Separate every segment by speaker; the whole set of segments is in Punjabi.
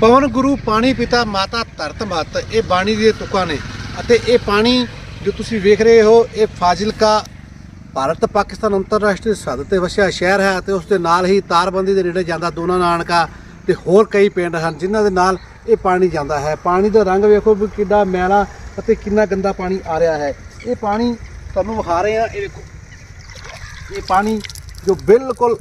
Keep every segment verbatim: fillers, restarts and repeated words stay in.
Speaker 1: ਪਵਨ ਗੁਰੂ ਪਾਣੀ ਪਿਤਾ ਮਾਤਾ ਧਰਤ ਮੱਤ ਇਹ ਬਾਣੀ ਦੀਆਂ ਤੁਕਾਂ ਨੇ ਅਤੇ ਇਹ ਪਾਣੀ ਜੋ ਤੁਸੀਂ ਵੇਖ ਰਹੇ ਹੋ ਇਹ ਫਾਜ਼ਿਲਕਾ ਭਾਰਤ ਪਾਕਿਸਤਾਨ ਅੰਤਰਰਾਸ਼ਟਰੀ ਸਰਹੱਦ ਤੇ ਵਸਿਆ ਸ਼ਹਿਰ ਹੈ ਅਤੇ ਉਸ ਦੇ ਨਾਲ ਹੀ ਤਾਰਬੰਦੀ ਦੇ ਨੇੜੇ ਜਾਂਦਾ ਦੋਨਾ ਨਾਨਕਾ ਤੇ ਹੋਰ ਕਈ ਪਿੰਡ ਹਨ ਜਿਨ੍ਹਾਂ ਦੇ ਨਾਲ ਇਹ ਪਾਣੀ ਜਾਂਦਾ ਹੈ। ਪਾਣੀ ਦਾ ਰੰਗ ਵੇਖੋ ਵੀ ਕਿੰਨਾ ਮੈਲਾ ਅਤੇ ਕਿੰਨਾ ਗੰਦਾ ਪਾਣੀ ਆ ਰਿਹਾ ਹੈ। ਇਹ ਪਾਣੀ ਤੁਹਾਨੂੰ ਵਿਖਾ ਰਹੇ ਹਾਂ, ਇਹ ਵੇਖੋ ਇਹ ਪਾਣੀ ਜੋ ਬਿਲਕੁਲ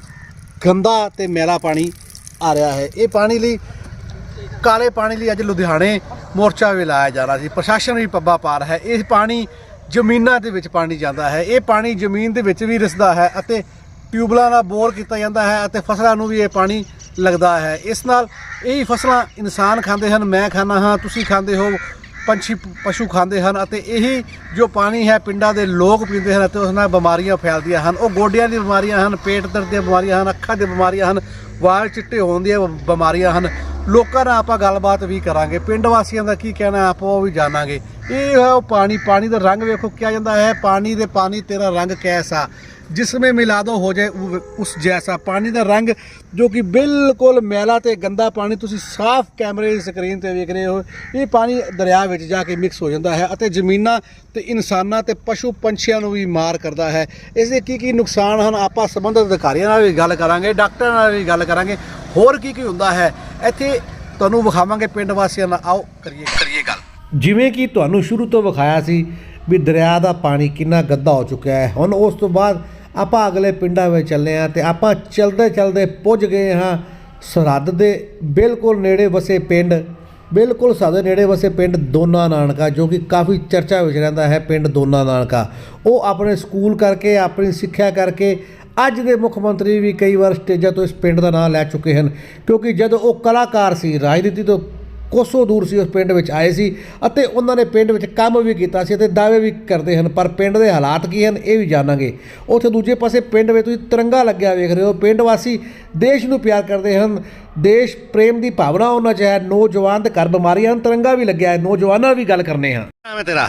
Speaker 1: ਗੰਦਾ ਤੇ ਮੈਲਾ ਪਾਣੀ ਆ ਰਿਹਾ ਹੈ। ਇਹ ਪਾਣੀ ਲਈ ਕਾਲੇ ਪਾਣੀ ਲਈ ਅੱਜ ਲੁਧਿਆਣੇ ਮੋਰਚਾ ਵੀ ਲਾਇਆ ਜਾ ਰਿਹਾ ਸੀ। ਪ੍ਰਸ਼ਾਸਨ ਵੀ ਪੱਬਾ ਪਾ ਰਿਹਾ ਹੈ। ਇਹ ਪਾਣੀ ਜ਼ਮੀਨਾਂ ਦੇ ਵਿੱਚ ਪਾਣੀ ਜਾਂਦਾ ਹੈ। ਇਹ ਪਾਣੀ ਜ਼ਮੀਨ ਦੇ ਵਿੱਚ ਵੀ ਰਿਸਦਾ ਹੈ ਅਤੇ ਟਿਊਬਲਾਂ ਨਾਲ ਬੋਰ ਕੀਤਾ ਜਾਂਦਾ ਹੈ ਅਤੇ ਫਸਲਾਂ ਨੂੰ ਵੀ ਇਹ ਪਾਣੀ ਲੱਗਦਾ ਹੈ। ਇਸ ਨਾਲ ਇਹ ਫਸਲਾਂ ਇਨਸਾਨ ਖਾਂਦੇ ਹਨ, ਮੈਂ ਖਾਂਦਾ ਹਾਂ, ਤੁਸੀਂ ਖਾਂਦੇ ਹੋ, ਪੰਛੀ ਪਸ਼ੂ ਖਾਂਦੇ ਹਨ ਅਤੇ ਇਹੀ ਜੋ ਪਾਣੀ ਹੈ ਪਿੰਡਾਂ ਦੇ ਲੋਕ ਪੀਂਦੇ ਹਨ ਅਤੇ ਉਸ ਨਾਲ ਬਿਮਾਰੀਆਂ ਫੈਲਦੀਆਂ ਹਨ। ਉਹ ਗੋਡਿਆਂ ਦੀ ਬਿਮਾਰੀਆਂ ਹਨ, ਪੇਟ ਦਰਦ ਦੀਆਂ ਬਿਮਾਰੀਆਂ ਹਨ, ਅੱਖਾਂ ਦੀਆਂ ਬਿਮਾਰੀਆਂ ਹਨ, ਵਾਲ ਚਿੱਟੇ ਹੋਣ ਦੀਆਂ ਬਿਮਾਰੀਆਂ ਹਨ। ਲੋਕਾਂ ਨਾਲ ਆਪਾਂ ਗੱਲਬਾਤ ਵੀ ਕਰਾਂਗੇ, ਪਿੰਡ ਵਾਸੀਆਂ ਦਾ ਕੀ ਕਹਿਣਾ ਆਪਾਂ ਉਹ ਵੀ ਜਾਣਾਂਗੇ। ਇਹ ਹੈ ਉਹ ਪਾਣੀ, ਪਾਣੀ ਦਾ ਰੰਗ ਵੇਖੋ ਕਿਹਾ ਜਾਂਦਾ ਹੈ, ਪਾਣੀ ਦੇ ਪਾਣੀ ਤੇਰਾ ਰੰਗ ਕੈਸਾ जिसमें मिला दो हो जाए उस जैसा। पानी का रंग जो कि बिल्कुल मैला ते गंदा पानी तुसी साफ कैमरे की स्क्रीन ते देख रहे हो, ये पानी दरिया में जाके मिक्स हो जाता है और जमीनां ते इंसानां ते पशु पंछियां नूं भी मार करता है। इसके की की नुकसान हैं आपां संबंधित अधिकारियों नाल भी गल करांगे, डॉक्टरां नाल भी गल करांगे, होर की की हुंदा है इत्थे तुहानूं विखावांगे पिंड वासियां नाल। आओ करिए करिए गल। जिवें कि तुहानूं शुरू तो विखाया सी भी दरिया का पानी कितना गंदा हो चुका है। हुण उस तो बाद ਆਪਾਂ ਅਗਲੇ ਪਿੰਡਾਂ ਵਿੱਚ ਚੱਲੇ ਹਾਂ ਤੇ ਆਪਾਂ ਚਲਦੇ ਚਲਦੇ ਪੁੱਜ ਗਏ ਹਾਂ ਸਰਹੱਦ ਦੇ ਬਿਲਕੁਲ ਨੇੜੇ ਵਸੇ ਪਿੰਡ, ਬਿਲਕੁਲ ਸਾਡੇ ਨੇੜੇ ਵਸੇ ਪਿੰਡ ਦੋਨਾ ਨਾਨਕਾ, ਜੋ ਕਿ ਕਾਫੀ ਚਰਚਾ ਵਿੱਚ ਰਹਿੰਦਾ ਹੈ। ਪਿੰਡ ਦੋਨਾ ਨਾਨਕਾ ਉਹ ਆਪਣੇ ਸਕੂਲ ਕਰਕੇ, ਆਪਣੀ ਸਿੱਖਿਆ ਕਰਕੇ ਅੱਜ ਦੇ ਮੁੱਖ ਮੰਤਰੀ ਵੀ ਕਈ ਵਾਰ ਸਟੇਜਾਂ ਤੋਂ ਇਸ ਪਿੰਡ ਦਾ ਨਾਂ ਲੈ ਚੁੱਕੇ ਹਨ, ਕਿਉਂਕਿ ਜਦੋਂ ਉਹ ਕਲਾਕਾਰ ਸੀ, ਰਾਜਨੀਤੀ ਤੋਂ ਕੋਸੋਂ ਦੂਰ ਸੀ, ਉਸ ਪਿੰਡ ਵਿੱਚ ਆਏ ਸੀ ਅਤੇ ਉਹਨਾਂ ਨੇ ਪਿੰਡ ਵਿੱਚ ਕੰਮ ਵੀ ਕੀਤਾ ਸੀ ਅਤੇ ਦਾਅਵੇ ਵੀ ਕਰਦੇ ਹਨ। ਪਰ ਪਿੰਡ ਦੇ ਹਾਲਾਤ ਕੀ ਹਨ ਇਹ ਵੀ ਜਾਣਾਂਗੇ। ਉੱਥੇ ਦੂਜੇ ਪਾਸੇ ਪਿੰਡ ਵਿੱਚ ਤੁਸੀਂ ਤਿਰੰਗਾ ਲੱਗਿਆ ਵੇਖ ਰਹੇ ਹੋ। ਪਿੰਡ ਵਾਸੀ ਦੇਸ਼ ਨੂੰ ਪਿਆਰ ਕਰਦੇ ਹਨ, ਦੇਸ਼ ਪ੍ਰੇਮ ਦੀ ਭਾਵਨਾ ਉਹਨਾਂ 'ਚ ਹੈ। ਨੌਜਵਾਨ ਦੇ ਘਰ ਬਿਮਾਰੀਆਂ ਹਨ, ਤਿਰੰਗਾ ਵੀ ਲੱਗਿਆ ਹੈ। ਨੌਜਵਾਨਾਂ ਨਾਲ ਵੀ ਗੱਲ ਕਰਨੇ ਹਾਂ। ਨਾਮ ਹੈ ਤੇਰਾ?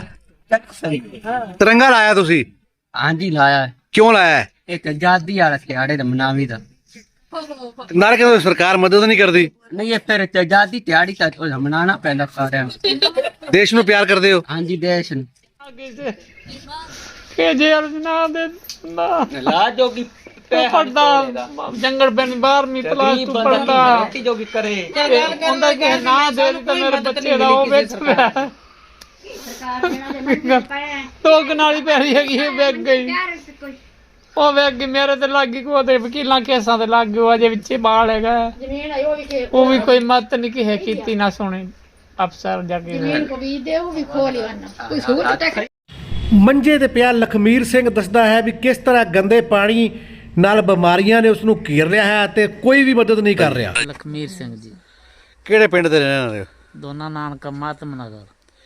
Speaker 1: ਤਿਰੰਗਾ ਲਾਇਆ ਤੁਸੀਂ? ਹਾਂਜੀ ਲਾਇਆ। ਕਿਉਂ ਲਾਇਆ? ਇੱਕ ਆਜ਼ਾਦੀ ਵਾਲਾ ਦਿਹਾੜੇ ਦਾ ਮਨਾਵੀ ਦਾ ਨਾਲ ਕਹਿੰਦੇ ਸਰਕਾਰ ਮਦਦ ਨਹੀਂ ਕਰਦੀ। ਨਹੀਂ ਇਹ ਫਿਰ ਆਜ਼ਾਦੀ ਦਿਹਾੜੀ ਤਾਂ ਮਨਾਉਣਾ ਪੈਂਦਾ ਸਾਰਿਆਂ ਨੂੰ। ਦੇਸ਼ ਨੂੰ ਪਿਆਰ ਕਰਦੇ ਹੋ? ਹਾਂਜੀ ਦੇਸ਼ ਨੂੰ।
Speaker 2: ਕਿ ਜੇਲ੍ਹ ਨਾ ਦੇ ਨਾ ਲਾ ਜੋਗੀ ਪੜਦਾ ਜੰਗਲ ਬਨ ਬਾਰਵੀਂ ਕਲਾਸ ਤੋਂ ਪੜਦਾ ਜੋਗੀ ਕਰੇ ਉਹਦਾ ਕਿ ਨਾ ਦੇ ਤਾਂ ਮੇਰੇ ਬੱਚੇ ਦਾ ਉਹ ਵੇਚ ਰਿਹਾ। ਟੋਕ ਨਾਲੀ ਪੈਰੀ ਹੈਗੀ ਇਹ ਵੇਚ ਗਈ, ਉਹ ਵੇਖ ਗਈ ਮੇਰੇ ਤੇ ਲੱਗ ਗਈ। ਉਹਦੇ ਵਕੀਲਾਂ ਕੇਸਾਂ ਤੇ ਲੱਗ ਗਿਆ, ਅਜੇ ਵਿੱਚੇ ਬਾਲ ਹੈਗਾ। ਉਹ ਵੀ ਕੋਈ ਮਤ ਨਹੀਂ ਕਿਹੇ ਕੀਤੀ ਨਾ ਸੁਣੀ ਅਫਸਰ ਜਾ ਕੇ।
Speaker 1: ਮੰਜੇ ਤੇ ਪਿਆ ਲਖਮੀਰ ਸਿੰਘ ਦੱਸਦਾ ਹੈ ਵੀ ਕਿਸ ਤਰ੍ਹਾਂ ਗੰਦੇ ਪਾਣੀ ਨਾਲ ਬਿਮਾਰੀਆਂ ਨੇ ਉਸ ਨੂੰ ਘੇਰ ਲਿਆ ਹੈ ਤੇ ਕੋਈ ਵੀ ਮਦਦ ਨਹੀਂ ਕਰ ਰਿਹਾ।
Speaker 3: ਲਖਮੀਰ ਸਿੰਘ ਜੀ।
Speaker 1: ਕਿਹੜੇ ਪਿੰਡ ਦੇ ਰਹਿਣ ਵਾਲੇ ਹੋ?
Speaker 3: ਦੋਨਾ ਨਾਨਕਾ ਮਾਤਮ ਨਗਰ।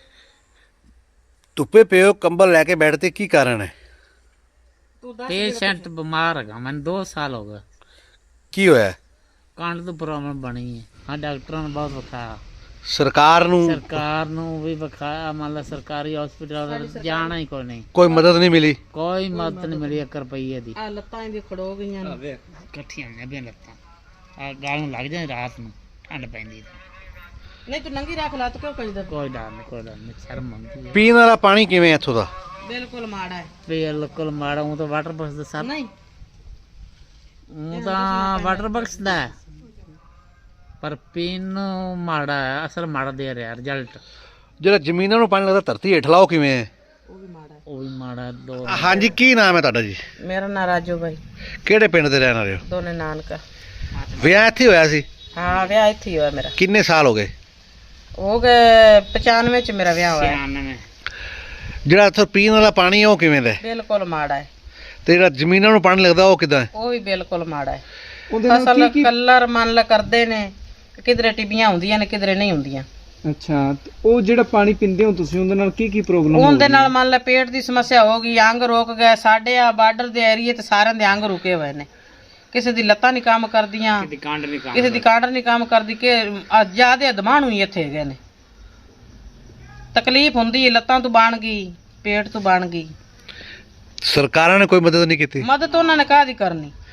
Speaker 1: ਧੁੱਪੇ ਪਿਓ ਕੰਬਲ ਲੈ ਕੇ ਬੈਠਦੇ, ਕੀ ਕਾਰਨ ਹੈ?
Speaker 3: ਪੇਸ਼ੈਂਟ ਬਿਮਾਰ ਹੈਗਾ, ਮੈਨੂੰ ਦੋ ਸਾਲ ਹੋ ਗਏ।
Speaker 1: ਕੀ ਹੋਇਆ?
Speaker 3: ਕੰਡ ਤੋਂ ਪ੍ਰੋਬਲਮ ਬਣੀ ਹੈ। ਹਾਂ ਡਾਕਟਰਾਂ ਨੂੰ ਬਹੁਤ ਵਿਖਾਇਆ,
Speaker 1: ਸਰਕਾਰ ਨੂੰ
Speaker 3: ਸਰਕਾਰ ਨੂੰ ਵੀ ਵਿਖਾਇਆ, ਮੰਨ ਲਾ ਸਰਕਾਰੀ ਹਸਪੀਟਲ ਜਾਣਾ ਹੀ ਕੋਈ ਨਹੀਂ,
Speaker 1: ਕੋਈ ਮਦਦ ਨਹੀਂ ਮਿਲੀ।
Speaker 3: ਕੋਈ ਮਦਦ ਨਹੀਂ ਮਿਲੀ ਇੱਕ ਰੁਪਈਏ ਦੀ।
Speaker 2: ਲੱਤਾਂ ਇਹਦੀ ਖੜੋ ਗਈਆਂ ਨੇ
Speaker 3: ਇਕੱਠੀਆਂ ਹੋਈਆਂ ਵੀ ਲੱਤਾਂ, ਆ ਗਾਲ ਨੂੰ ਲੱਗ ਜਾਂਦੀ ਰਾਤ ਨੂੰ, ਠੰਡ ਪੈਂਦੀ।
Speaker 2: ਨਹੀਂ ਤੂੰ ਨੰਗੀ ਰੱਖ ਲਾ ਤੂੰ ਕਿਉਂ ਕਜਦਾ?
Speaker 3: ਕੋਈ ਡਰ ਨਹੀਂ, ਕੋਈ ਡਰ ਨਹੀਂ, ਸ਼ਰਮ ਆਉਂਦੀ ਹੈ।
Speaker 1: ਪੀਣ ਵਾਲਾ ਪਾਣੀ ਕਿਵੇਂ ਇੱਥੋਂ ਦਾ?
Speaker 2: ਬਿਲਕੁਲ ਮਾੜਾ ਹੈ,
Speaker 3: ਬਿਲਕੁਲ ਮਾੜਾ। ਉਹ ਤਾਂ ਵਾਟਰ ਬਕਸ ਦਾ ਸਰ
Speaker 2: ਨਹੀਂ
Speaker 3: ਉਹ ਤਾਂ ਵਾਟਰ ਬਕਸ ਦਾ ਹੈ, ਪਰ ਪੀਣ ਨੂੰ ਮਾੜਾ ਹੈ, ਅਸਲ ਮਾੜਾ ਦੇ ਰਿਹਾ ਰਿਜ਼ਲਟ।
Speaker 1: ਜਿਹੜਾ ਜ਼ਮੀਨਾਂ ਨੂੰ ਪਾਣੀ ਲੱਗਦਾ ਧਰਤੀ ਹੇਠ ਲਾਓ ਕਿਵੇਂ ਹੈ?
Speaker 2: ਉਹ ਵੀ ਮਾੜਾ ਹੈ,
Speaker 3: ਉਹ ਵੀ ਮਾੜਾ। ਦੋ
Speaker 1: ਹਾਂਜੀ, ਕੀ ਨਾਮ ਹੈ ਤੁਹਾਡਾ ਜੀ?
Speaker 2: ਮੇਰਾ ਨਾਂ ਰਾਜੂ ਬਾਈ।
Speaker 1: ਕਿਹੜੇ ਪਿੰਡ ਦੇ ਰਹਿਣ ਵਾਲੇ ਹੋ?
Speaker 2: ਦੋਨੇ ਨਾਨਕਾ।
Speaker 1: ਵਿਆਹ ਇੱਥੇ ਹੋਇਆ ਸੀ?
Speaker 2: ਹਾਂ ਵਿਆਹ ਇੱਥੇ ਹੀ ਹੋਇਆ ਮੇਰਾ।
Speaker 1: ਕਿੰਨੇ ਸਾਲ ਹੋ ਗਏ?
Speaker 2: ਹੋ ਗਏ ਪਚਾਨਵੇਂ ਚ ਮੇਰਾ ਵਿਆਹ ਹੋਇਆ।
Speaker 3: ਛਿਆਨਵੇਂ।
Speaker 1: ਜਿਹੜਾ ਇੱਥੋਂ ਪੀਣ ਵਾਲਾ ਪਾਣੀ ਹੈ ਉਹ ਕਿਵੇਂ ਦਾ?
Speaker 2: ਬਿਲਕੁਲ ਮਾੜਾ ਹੈ।
Speaker 1: ਤੇ ਜਿਹੜਾ ਜ਼ਮੀਨਾਂ ਨੂੰ ਪਾਣੀ ਲੱਗਦਾ ਉਹ ਕਿੱਦਾਂ ਹੈ?
Speaker 2: ਉਹ ਵੀ ਬਿਲਕੁਲ ਮਾੜਾ ਹੈ। ਫਸਲ ਕਲਰ ਮੰਨ ਲ ਕਰਦੇ ਨੇ, ਕਿਧਰੇ ਟਿੱਬੀਆਂ ਹੁੰਦੀਆਂ ਨੇ ਕਿਧਰੇ ਨਹੀਂ ਹੁੰਦੀਆਂ।
Speaker 4: ਅੱਛਾ, ਉਹ ਜਿਹੜਾ ਪਾਣੀ ਪੀਂਦੇ ਹੋ ਤੁਸੀਂ ਉਹਦੇ ਨਾਲ ਕੀ ਕੀ ਪ੍ਰੋਬਲਮ ਹੋ?
Speaker 2: ਉਹਦੇ ਨਾਲ ਮੰਨ ਲ ਪੇਟ ਦੀ ਸਮੱਸਿਆ ਹੋ ਗਈ, ਅੰਗ ਰੁਕ ਗਏ। ਸਾਡੇ ਆ ਬਾਰਡਰ ਦੇ ਏਰੀਏ ਤੇ ਸਾਰਿਆਂ ਦੇ ਅੰਗ ਰੁਕੇ ਹੋਏ ਨੇ। ਕਿਸੇ ਦੀ ਲੱਤਾਂ ਨਹੀਂ ਕੰਮ ਕਰਦੀਆਂ, ਕਿਸੇ ਦੀ ਕਾਂਡ ਨਹੀਂ ਕੰਮ ਕਰਦੀ, ਕਿ ਜਿਆਦੇ ਦਮਾਣੂ ਹੀ ਇੱਥੇ ਹੈਗੇ ਨੇ। ਤਕਲੀਫ ਹੁੰਦੀ ਹੈ, ਲੱਤਾਂ ਤੋਂ ਬਣ ਗਈ, ਪੇਟ ਤੋਂ ਬਣ ਗਈ।
Speaker 1: ਸਰਕਾਰਾਂ ਨੇ ਕੋਈ ਮਦਦ ਨਹੀਂ ਕੀਤੀ?
Speaker 2: ਮਦਦ ਉਹਨਾਂ ਨੇ ਕਾਹਦੀ ਕਰਨੀ?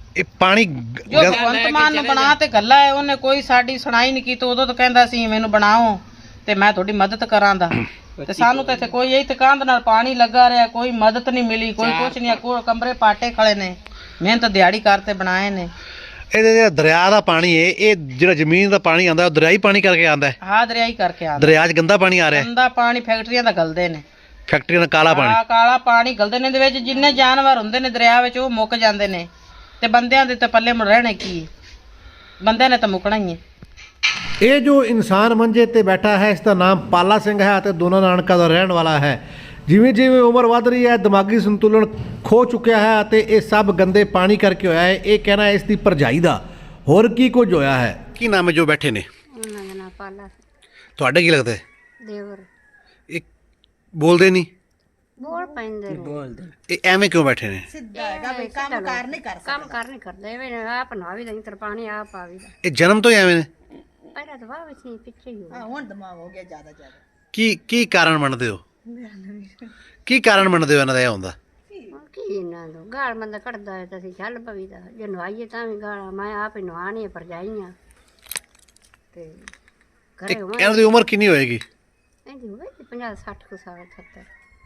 Speaker 1: ਇਹ ਪਾਣੀ
Speaker 5: ਜੋ ਭਗਵੰਤ ਮਾਨ ਨੂੰ ਬਣਾ ਤੇ ਗੱਲਾ ਹੈ, ਉਹਨੇ ਕੋਈ ਸਾਡੀ ਸੁਣਾਈ ਨਹੀਂ ਕੀਤੀ। ਉਦੋਂ ਤਾਂ ਕਹਿੰਦਾ ਸੀ ਮੈਨੂੰ ਬਣਾਓ ਤੇ ਮੈਂ ਤੁਹਾਡੀ ਮਦਦ ਕਰਾਂਦਾ, ਤੇ ਸਾਨੂੰ ਤਾਂ ਇੱਥੇ ਕੋਈ ਇਹੀ ਤਕਾਂਦ ਨਾਲ ਪਾਣੀ ਲੱਗਾ ਰਿਹਾ, ਕੋਈ ਮਦਦ ਨਹੀਂ ਮਿਲੀ, ਕੋਈ ਕੁਛ ਨਹੀਂ। ਕੋਈ ਕਮਰੇ ਪਾਟੇ ਖੜੇ ਨੇ, ਮਿਹਨਤ ਦਿਹਾੜੀ ਕਰਤੇ ਬਣਾਏ ਨੇ।
Speaker 1: ਇਹਦੇ ਜਿਹੜਾ ਦਰਿਆ ਦਾ ਪਾਣੀ ਹੈ, ਇਹ ਜਿਹੜਾ ਜ਼ਮੀਨ ਦਾ ਪਾਣੀ ਆਉਂਦਾ ਉਹ ਦਰਿਆਈ ਪਾਣੀ ਕਰਕੇ ਆਉਂਦਾ ਹੈ।
Speaker 5: ਹਾਂ ਦਰਿਆਈ ਕਰਕੇ ਆਉਂਦਾ।
Speaker 1: ਦਰਿਆ 'ਚ ਗੰਦਾ ਪਾਣੀ ਆ ਰਿਹਾ ਹੈ,
Speaker 5: ਗੰਦਾ ਪਾਣੀ ਫੈਕਟਰੀਆਂ ਦਾ ਗਲਦੇ ਨੇ,
Speaker 1: ਫੈਕਟਰੀਆਂ ਦਾ ਕਾਲਾ ਪਾਣੀ।
Speaker 5: ਆ ਕਾਲਾ ਪਾਣੀ ਗਲਦੇ ਨੇ। ਇਹਦੇ ਵਿੱਚ ਜਿੰਨੇ ਜਾਨਵਰ ਹੁੰਦੇ ਨੇ ਦਰਿਆ ਵਿੱਚ ਉਹ ਮੁੱਕ ਜਾਂਦੇ ਨੇ, ਤੇ ਬੰਦਿਆਂ ਦੇ ਤਾਂ ਪੱਲੇ ਮੁੜ ਰਹਿਣੇ ਕੀ, ਬੰਦਿਆਂ ਨੇ ਤਾਂ ਮੁੱਕਣਾ ਹੀ ਹੈ।
Speaker 1: ਇਹ ਜੋ ਇਨਸਾਨ ਮੰਜੇ ਤੇ ਬੈਠਾ ਹੈ, ਇਸ ਦਾ ਨਾਮ ਪਾਲਾ ਸਿੰਘ ਹੈ ਅਤੇ ਦੋਨਾ ਨਾਨਕਾ ਦਾ ਰਹਿਣ ਵਾਲਾ ਹੈ। ਜਿਵੇਂ ਜਿਵੇਂ ਉਮਰ ਵੱਧ ਰਹੀ ਹੈ, ਦਿਮਾਗੀ ਸੰਤੁਲਨ ਖੋ ਚੁੱਕਿਆ ਹੈ ਅਤੇ ਇਹ ਸਭ ਗੰਦੇ ਪਾਣੀ ਕਰਕੇ ਹੋਇਆ ਹੈ। ਇਹ ਕਹਿਣਾ ਹੈ ਇਸ ਦੀ ਭਰਜਾਈ ਦਾ। ਹੋਰ ਕੀ ਕੁਝ ਹੋਇਆ ਹੈ? ਕੀ ਨਾਮ ਹੈ ਜੋ ਬੈਠੇ ਨੇ?
Speaker 6: ਉਹਨਾਂ ਦਾ ਨਾਂ ਪਾਲਾ
Speaker 1: ਤੁਹਾਡੇ ਕੀ ਲੱਗਦਾ ਹੈ?
Speaker 6: ਦੇਵਰ।
Speaker 1: ਇਹ ਬੋਲਦੇ ਨਹੀਂ?
Speaker 6: ਬੋਲ ਪੈਂਦੇ ਨੇ।
Speaker 1: ਇਹ ਐਵੇਂ ਕਿਉਂ ਬੈਠੇ ਨੇ?
Speaker 6: ਸਿੱਧਾ ਹੈਗਾ ਵੀ ਕੰਮ ਕਰ ਨਹੀਂ ਕਰ ਕੰਮ ਕਰ ਨਹੀਂ ਕਰਦੇ ਵੇ ਆਪ ਨਾ ਵੀ ਨਹੀਂ ਤਰ ਪਾਣੀ ਆਪ ਆ ਵੀ
Speaker 1: ਇਹ ਜਨਮ ਤੋਂ ਹੀ ਐਵੇਂ ਨੇ?
Speaker 6: ਪਹਿਲਾਂ ਤਾਂ ਵਾਹ ਵਿੱਚ ਨਹੀਂ, ਪਿੱਛੇ ਹੀ ਹੋ ਹੁਣ ਦਿਮਾਗ ਹੋ ਗਿਆ ਜ਼ਿਆਦਾ ਜ਼ਿਆਦਾ।
Speaker 1: ਕੀ ਕੀ ਕਾਰਨ ਮੰਨਦੇ ਹੋ? ਕੀ ਕਾਰਨ ਮੰਨਦੇ ਹੋ ਇਹਨਾਂ ਦਾ ਇਹ ਹੁੰਦਾ?
Speaker 6: ਕੀ ਇਹਨਾਂ ਨੂੰ ਗਾਲ ਮੰਦਾ ਕੱਢਦਾ ਹੈ ਤਾਂ ਅਸੀਂ ਚੱਲ ਪਵੀਦਾ, ਜੇ ਨਵਾਈਏ ਤਾਂ ਵੀ ਗਾਲਾਂ। ਮੈਂ ਆਪ ਹੀ ਨਵਾਣੀ ਹੈ, ਭਰਜਾਈਆਂ ਤੇ
Speaker 1: ਤੇ
Speaker 6: ਘਰੇ ਹੋਵਾਂ।
Speaker 1: ਇਹਨਾਂ ਦੀ ਉਮਰ ਕਿੰਨੀ ਹੋਏਗੀ?
Speaker 6: ਇਹਦੀ ਹੋਵੇ ਪੰਜਾਹ ਸੱਠ ਕੁ ਸਾਲ, ਸੱਤਰ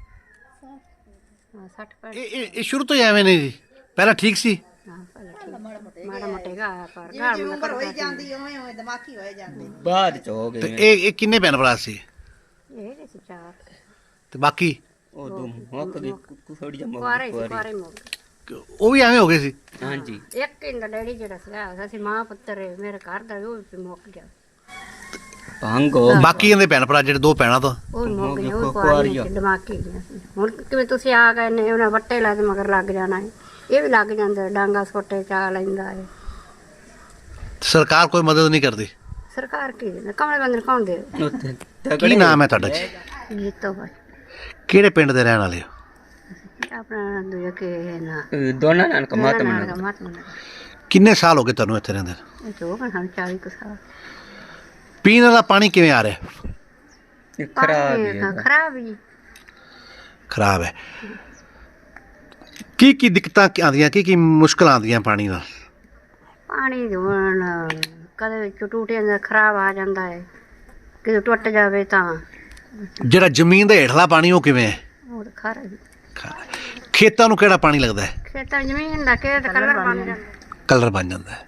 Speaker 6: ਹਾਂ ਸੱਠ ਪਰ
Speaker 1: ਇਹ ਇਹ ਇਹ ਸ਼ੁਰੂ ਤੋਂ ਹੀ ਐਵੇਂ ਨੇ ਜੀ? ਪਹਿਲਾਂ ਠੀਕ ਸੀ?
Speaker 6: ਹਾਂ ਪਹਿਲਾਂ ਠੀਕ ਮਾੜਾ ਮੋਟੇਗਾ ਪਰ ਗਾਲ ਮੰਦਾ ਕੱਢਦਾ ਜਾਂਦੀ
Speaker 5: ਉਵੇਂ ਉਵੇਂ ਦਿਮਾਗੀ ਹੋਏ ਜਾਂਦੇ।
Speaker 3: ਬਾਅਦ ਚ ਹੋ
Speaker 1: ਤੇ
Speaker 3: ਗਏ
Speaker 1: ਇਹ ਇਹ ਕਿੰਨੇ ਭੈਣ ਭਰਾ ਸੀ?
Speaker 6: ਇਹ ਸੀ ਚਾਰ
Speaker 1: ਤੇ ਬਾਕੀ
Speaker 3: ਉਹ ਦੋ ਮੁੱਕ ਗਏ, ਥੋੜੀ ਜਿਹੀ
Speaker 6: ਕੁਆਰੇ ਸੀ, ਕੁਆਰੇ ਮੁੱਕ ਗਏ।
Speaker 1: ਉਹ ਵੀ ਐਵੇਂ ਹੋ ਗਏ ਸੀ?
Speaker 3: ਹਾਂਜੀ।
Speaker 6: ਇੱਕ ਇੰਦਾ ਡੈਡੀ ਜਿਹੜਾ ਸੀਗਾ, ਅਸੀਂ ਮਾਂ ਪੁੱਤਰ ਹੈ, ਮੇਰੇ ਘਰ ਦਾ ਉਹ ਵੀ ਮੁੱਕ ਗਿਆ।
Speaker 3: ਭੰਗ ਹੋ
Speaker 1: ਬਾਕੀ ਇਹਦੇ ਭੈਣ ਭਰਾ ਜਿਹੜੇ ਦੋ ਭੈਣਾਂ ਤੋਂ?
Speaker 6: ਉਹ ਵੀ ਮੁੱਕ ਗਏ, ਉਹ ਕੁਆਰੀ ਦਿਮਾਗੀ ਗਿਆ ਸੀ। ਹੁਣ ਕਿਵੇਂ ਤੁਸੀਂ ਆ ਗਏ ਨੇ, ਉਹਨਾਂ ਵੱਟੇ ਲਾ ਕੇ ਮਗਰ ਲੱਗ ਜਾਣਾ ਹੈ, ਇਹ ਵੀ ਲੱਗ ਜਾਂਦਾ, ਡਾਂਗਾ ਸੋਟੇ ਚਾ ਲੈਂਦਾ ਹੈ।
Speaker 1: ਸਰਕਾਰ ਕੋਈ ਮਦਦ ਨਹੀਂ ਕਰਦੀ?
Speaker 6: ਸਰਕਾਰ ਕੀ ਦਿੰਦਾ, ਕਮਲੇ ਬੰਦੇ ਨੂੰ ਕੌਣ ਦੇ?
Speaker 3: ਉੱਥੇ
Speaker 1: ਕੀ ਨਾਮ ਹੈ ਤੁਹਾਡਾ ਜੀ?
Speaker 6: ਜੀਤੋ ਭਾਈ
Speaker 1: ਕਿਹੜੇ ਪਿੰਡ ਦੇ ਰਹਿਣ ਵਾਲੇ ਹੋ?
Speaker 6: ਆਪਣਾ ਦੂਜਾ ਕਿ ਨਾ
Speaker 3: ਦੋਨਾਂ ਨਾਲ ਕਮਾਤ
Speaker 6: ਨਾ
Speaker 3: ਮਨਾ
Speaker 6: ਮਤ ਮਨਾ
Speaker 1: ਕਿੰਨੇ ਸਾਲ ਹੋ ਗਏ ਤੁਹਾਨੂੰ ਇੱਥੇ ਰਹਿੰਦੇ?
Speaker 6: ਇਹ ਜੋ ਹਨ ਚਾਲੀ ਕੁ ਸਾਲ।
Speaker 1: ਪੀਣ ਵਾਲਾ ਪਾਣੀ ਕਿਵੇਂ ਆ ਰਿਹਾ?
Speaker 3: ਖਰਾਬ
Speaker 6: ਪਾਣੀ
Speaker 3: ਹੈ।
Speaker 6: ਖਰਾਬ ਹੀ
Speaker 1: ਖਰਾਬ ਹੈ। ਕੀ ਕੀ ਦਿੱਕਤਾਂ ਆਉਂਦੀਆਂ, ਕੀ ਕੀ ਮੁਸ਼ਕਲਾਂ ਆਉਂਦੀਆਂ ਪਾਣੀ ਨਾਲ?
Speaker 6: ਪਾਣੀ ਦੇ ਹੁਣ ਕਦੇ ਵਿੱਚ ਟੂਟੀਆਂ ਦਾ ਖਰਾਬ ਆ ਜਾਂਦਾ ਹੈ, ਕਿਤੇ ਟੁੱਟ ਜਾਵੇ ਤਾਂ
Speaker 1: ਜਿਹੜਾ ਜ਼ਮੀਨ ਦਾ ਹੇਠਲਾ ਪਾਣੀ ਉਹ ਕਿਵੇਂ ਹੈ?
Speaker 6: ਉਹ ਤਾਂ ਖਰਾ ਹੀ।
Speaker 1: ਖੇਤਾਂ ਨੂੰ ਕਿਹੜਾ ਪਾਣੀ ਲੱਗਦਾ ਹੈ?
Speaker 6: ਖੇਤਾਂ ਜ਼ਮੀਨ ਦਾ ਖੇਤ ਕਲਰ ਬਣ ਜਾਂਦਾ।
Speaker 1: ਕਲਰ ਬਣ ਜਾਂਦਾ ਹੈ।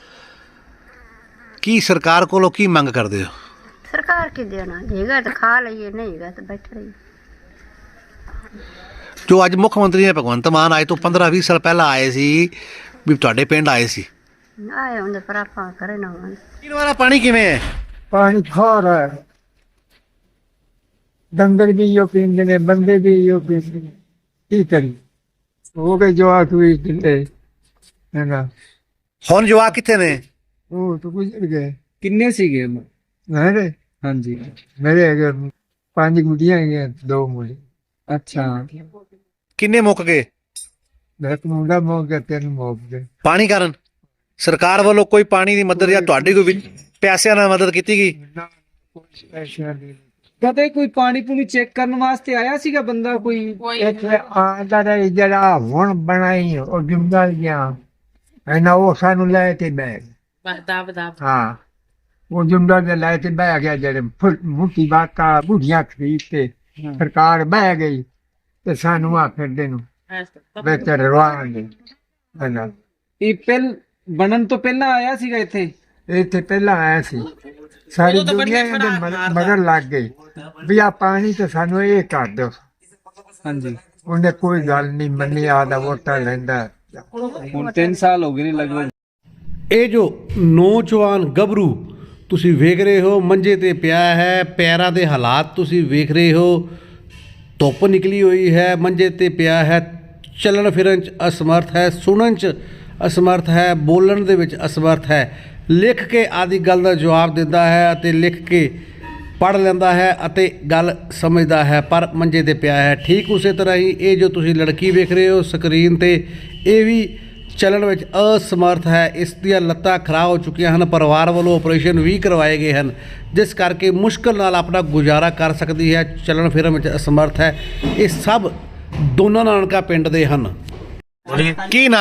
Speaker 1: ਕੀ ਸਰਕਾਰ ਕੋਲੋਂ ਕੀ ਮੰਗ ਕਰਦੇ ਹੋ?
Speaker 6: ਸਰਕਾਰ ਕੀ ਦੇਣਾ, ਜੇਗਾ ਤਾਂ ਖਾ ਲਈਏ, ਨਹੀਂ ਹੈਗਾ ਤਾਂ ਬੈਠ ਰਹੀ।
Speaker 1: ਜੋ ਅੱਜ ਮੁੱਖ ਮੰਤਰੀ ਨੇ ਭਗਵੰਤ ਮਾਨ ਆਏ ਤੋਂ ਪੰਦਰਾਂ ਵੀਹ ਸਾਲ ਪਹਿਲਾਂ ਆਏ ਸੀ, ਵੀ ਤੁਹਾਡੇ ਪਿੰਡ ਆਏ ਸੀ,
Speaker 6: ਆਏ ਹੁੰਦੇ ਪਰ ਆਪਾਂ ਕਰੇ ਨਾ ਹੋਣ।
Speaker 1: ਪੀਣ ਵਾਲਾ ਪਾਣੀ ਕਿਵੇਂ ਹੈ?
Speaker 7: ਪਾਣੀ ਖਾਰਾ ਹੈ, ਡੰਗਰ ਵੀ ਇਹੋ ਪੀਂਦੇ ਨੇ, ਬੰਦੇ ਵੀ ਇਹੋ ਪੀਂਦੇ ਨੇ, ਕੀ ਕਰੀ? ਹੋ ਗਏ ਜਵਾਕ ਵੀ ਢਿੱਲੇ ਹੈ ਨਾ,
Speaker 1: ਹੁਣ ਜਵਾਕ ਕਿੱਥੇ ਨੇ?
Speaker 7: ਉਹ ਤਾਂ ਗੁਜ਼ਰ ਗਏ।
Speaker 4: ਕਿੰਨੇ ਸੀਗੇ?
Speaker 7: ਮੇਰੇ
Speaker 4: ਹਾਂਜੀ।
Speaker 7: ਮੇਰੇ ਹੈਗੇ ਪੰਜ ਗੁੱਡੀਆਂ ਹੈਗੀਆਂ, ਦੋ ਮੁੰਡੇ।
Speaker 4: ਅੱਛਾ।
Speaker 1: ਕਿੰਨੇ ਮੁੱਕ ਗਏ?
Speaker 7: ਇੱਕ ਮੁੰਡਾ ਮੁੱਕ ਗਿਆ, ਤਿੰਨ ਮੁੱਕ ਗਏ।
Speaker 1: ਪਾਣੀ ਕਾਰਨ? ਸਰਕਾਰ ਵੱਲੋਂ ਕੋਈ ਪਾਣੀ ਦੀ ਮਦਦ ਜਾਂ ਤੁਹਾਡੀ ਕੋਈ ਵਿੱਚ ਪੈਸਿਆਂ ਨਾਲ ਮਦਦ ਕੀਤੀ ਗਈ?
Speaker 7: ਨਾ ਕੋਈ ਪੈਸਾ ਨਹੀਂ।
Speaker 4: ਕਦੇ ਕੋਈ ਪਾਣੀ ਪੂਣੀ ਚੈੱਕ ਕਰਨ ਵਾਸਤੇ ਆਇਆ ਸੀਗਾ ਬੰਦਾ ਕੋਈ?
Speaker 7: ਇੱਥੇ ਆਂਦਾ ਰਿਹਾ ਜਿਹੜਾ ਹੁਣ ਬਣਾਈ ਉਹ ਜ਼ਿੰਮੇਵਾਰੀਆਂ ਹੈ ਨਾ, ਉਹ ਸਾਨੂੰ ਲੈ ਕੇ ਬਹਿ ਗਏ।
Speaker 5: ਬਦਾ ਬਦਾ
Speaker 7: ਹਾਂ, ਉਹ ਜੁੰਡਾ ਦੇ ਲੈ ਕੇ ਬਹਿ ਗਿਆ, ਜਿਹੜੇ ਮੁੱਠੀ ਬਾਕਾ ਬੁੜੀਆਂ ਖਰੀਦ ਕੇ ਸਰਕਾਰ ਬਹਿ ਗਈ ਤੇ ਸਾਨੂੰ ਆ ਫਿਰਦੇ ਨੂੰ ਬਿਹਤਰ ਰਵਾਂਗੇ ਹੈ ਨਾ।
Speaker 4: ਇਹ ਪਹਿਲ ਬਣਨ ਤੋਂ ਪਹਿਲਾਂ ਆਇਆ ਸੀਗਾ ਇੱਥੇ?
Speaker 7: ਇੱਥੇ ਪਹਿਲਾਂ ਆਇਆ ਸੀ, ਸਾਰੀ ਦੁਨੀਆ ਇਹਦੇ ਮਗਰ- ਮਗਰ ਲੱਗ ਗਈ ਵੀ ਆ ਪਾਣੀ ਤੇ ਸਾਨੂੰ ਇਹ ਕਰ ਦਿਓ।
Speaker 4: ਹਾਂਜੀ।
Speaker 7: ਉਹਨੇ ਕੋਈ ਗੱਲ ਨਹੀਂ ਮੰਨੀ, ਆਦਾ ਵੋਟਾਂ ਲੈਂਦਾ।
Speaker 4: ਹੁਣ ਤਿੰਨ ਸਾਲ ਹੋ ਗਏ ਨੇ ਲਗਭਗ।
Speaker 1: ਇਹ ਜੋ ਨੌਜਵਾਨ ਗੱਭਰੂ ਤੁਸੀਂ ਵੇਖ ਰਹੇ ਹੋ ਮੰਜੇ ਤੇ ਪਿਆ ਹੈ, ਪੈਰਾਂ ਦੇ ਹਾਲਾਤ ਤੁਸੀਂ ਵੇਖ ਰਹੇ ਹੋ, ਧੁੱਪ ਨਿਕਲੀ ਹੋਈ ਹੈ, ਮੰਜੇ ਤੇ ਪਿਆ ਹੈ, ਚੱਲਣ ਫਿਰਨ 'ਚ ਅਸਮਰਥ ਹੈ, ਸੁਣਨ 'ਚ ਅਸਮਰਥ ਹੈ, ਬੋਲਣ ਦੇ ਵਿੱਚ ਅਸਮਰਥ ਹੈ। ਲਿਖ ਕੇ ਆਦਿ ਗੱਲ ਦਾ ਜਵਾਬ ਦਿੰਦਾ ਹੈ ਅਤੇ ਲਿਖ ਕੇ ਪੜ੍ਹ ਲੈਂਦਾ ਹੈ ਅਤੇ ਗੱਲ ਸਮਝਦਾ ਹੈ, ਪਰ ਮੰਜੇ ਤੇ ਪਿਆ ਹੈ। ਠੀਕ ਉਸੇ ਤਰ੍ਹਾਂ ਹੀ ਇਹ ਜੋ ਤੁਸੀਂ ਲੜਕੀ ਵੇਖ ਰਹੇ ਹੋ ਸਕਰੀਨ ਤੇ, ਇਹ ਵੀ ਚੱਲਣ ਵਿੱਚ ਅਸਮਰਥ ਹੈ। ਇਸ ਦੀਆਂ ਲੱਤਾਂ ਖਰਾਬ ਹੋ ਚੁੱਕੀਆਂ ਹਨ, ਪਰਿਵਾਰ ਵੱਲੋਂ ਆਪਰੇਸ਼ਨ ਵੀ ਕਰਵਾਏ ਗਏ ਹਨ, ਜਿਸ ਕਰਕੇ ਮੁਸ਼ਕਲ ਨਾਲ ਆਪਣਾ ਗੁਜ਼ਾਰਾ ਕਰ ਸਕਦੀ ਹੈ, ਚੱਲਣ ਫਿਰਨ ਵਿੱਚ ਅਸਮਰਥ ਹੈ। ਇਹ ਸਭ ਦੋਨਾਂ ਨਾਨਕਾ ਪਿੰਡ ਦੇ ਹਨ। ਕੀ ਨਾਮ ਹੈ?